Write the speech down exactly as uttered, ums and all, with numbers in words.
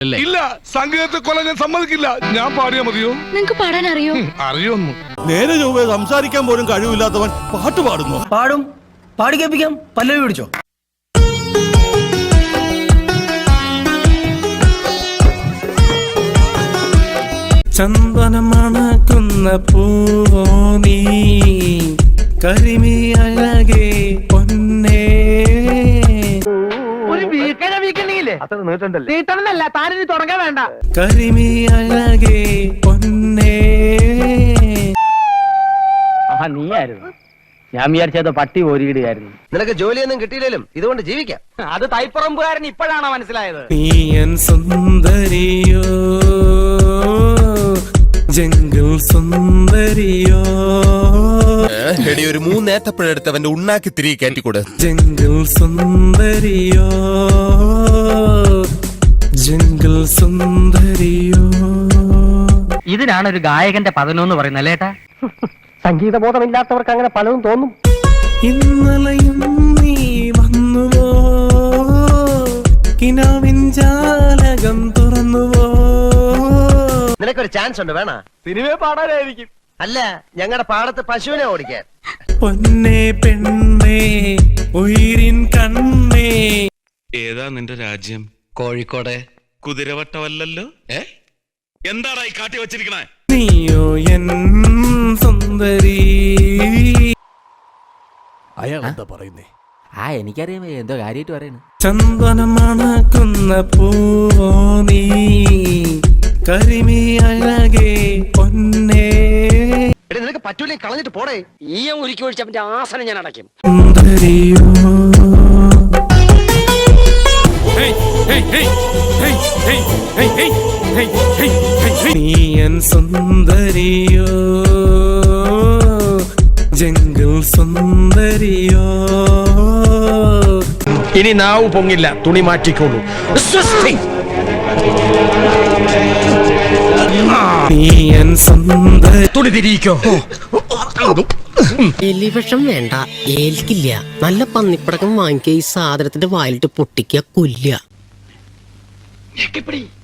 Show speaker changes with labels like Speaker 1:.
Speaker 1: ഇല്ല, സംഗീതത്തെ കൊല്ലാൻ ഞാൻ സമ്മതിക്കില്ല. ഞാൻ പാടിയാ മതിയോ?
Speaker 2: നിങ്ങക്ക് പാടാൻ അറിയോ?
Speaker 1: അറിയൊന്നു.
Speaker 3: നേരെ ചൊവ്വേ സംസാരിക്കാൻ പോലും കഴിവില്ലാത്തവൻ പാട്ട് പാടുന്നു.
Speaker 4: പാടും, പാടി കേൾപ്പിക്കാം. പല്ലവി പിടിച്ചോ.
Speaker 5: ചന്ദനം മണക്കുന്ന പൂവോ നീ, കരിമി അഴകേ പൊന്നേ.
Speaker 4: ഒരു വീക്കണ വീക്കണില്ലേ? അത്ര നീട്ടണ്ടല്ലേ? നീട്ടണമെന്നല്ല, താനിനി തുടങ്ങാൻ വേണ്ട.
Speaker 5: കരിമി അഴകേ പൊന്നേ.
Speaker 4: ആഹാ, നീയായിരുന്നു. ഞാൻ വിചാരിച്ചത് പട്ടി ഓരിയിടുകയായിരുന്നു.
Speaker 6: നിനക്ക് ജോലിയൊന്നും കിട്ടിയില്ലേലും ഇതുകൊണ്ട് ജീവിക്കാം.
Speaker 4: അത് തൈപ്പറമ്പുകാരൻ ഇപ്പോഴാണോ മനസ്സിലായത്?
Speaker 5: നീയൻ സുന്ദരിയോ, ജംഗിൾ സുന്ദരിയോ.
Speaker 7: എടി, ഒരു മൂന്നേത്തപ്പഴെടുത്തവന്റെ ഉണ്ണാക്കി തിരികെ കയറ്റിക്കൂടെ.
Speaker 5: Jungle സുന്ദരിയോ, jungle സുന്ദരിയോ.
Speaker 4: ഇതിനാണ് ഒരു ഗായകന്റെ പതനമെന്ന് പറയുന്നത് അല്ലേട്ടാ? സംഗീതബോധമില്ലാത്തവർക്ക് അങ്ങനെ പലതും തോന്നും.
Speaker 5: ഇന്നലെയും നീ വന്നുവോ, കിനാവിൻ ജാലകം തുറന്നുവോ.
Speaker 6: നിനക്കൊരു ചാൻസ് ഉണ്ട്, വേണ?
Speaker 4: സിനിമയെ പാടാനായിരിക്കും.
Speaker 6: അല്ല, ഞങ്ങളുടെ പാടത്ത് പശുവിനെ ഓടിക്കാൻ.
Speaker 5: പൊന്നേ പെണ്ണേ ഉയിരിൻ കണ്ണേ.
Speaker 7: ഏതാ നിന്റെ രാജ്യം?
Speaker 6: കോഴിക്കോട്.
Speaker 7: കുതിരവട്ടമല്ലല്ലോ. ഏ എന്താടാ ഈ കാട്ടി വച്ചിരിക്കണേ?
Speaker 5: നീയോ എൻ സുന്ദരി.
Speaker 3: അയാൾ എന്താ പറയുന്നേ?
Speaker 8: ആ എനിക്കറിയാം എന്തോ കാര്യമായിട്ട് പറയുന്നു.
Speaker 5: ചന്ദനം മണക്കുന്ന പൂവോ നീ, കരിമി അഴകേ പൊന്നേ.
Speaker 6: എടി, നിനക്ക് പറ്റൂലേ കളഞ്ഞിട്ട് പോടേ.
Speaker 4: ഈയം ഉരുക്കി ഒഴിച്ചവന്റെ ആസനം ഞാൻ അടയ്ക്കും.
Speaker 5: സുന്ദരിയോ. നീയൻ സുന്ദരിയോ, ജംഗിൾ സുന്ദരിയോ.
Speaker 4: ഇനി നാവ് പൊങ്ങില്ല, തുണി മാറ്റിക്കോളൂ.
Speaker 5: നീയൻ സുന്ദരി.
Speaker 4: തുണി തിരിയിക്കോ.
Speaker 9: എലിവിഷം വേണ്ട, ഏൽക്കില്ല. നല്ല പന്നിപ്പടക്കം വാങ്ങിക്കുക, ഈ സാധനത്തിന്റെ വായിലിട്ട് പൊട്ടിക്കുക, കൊല്ലുക.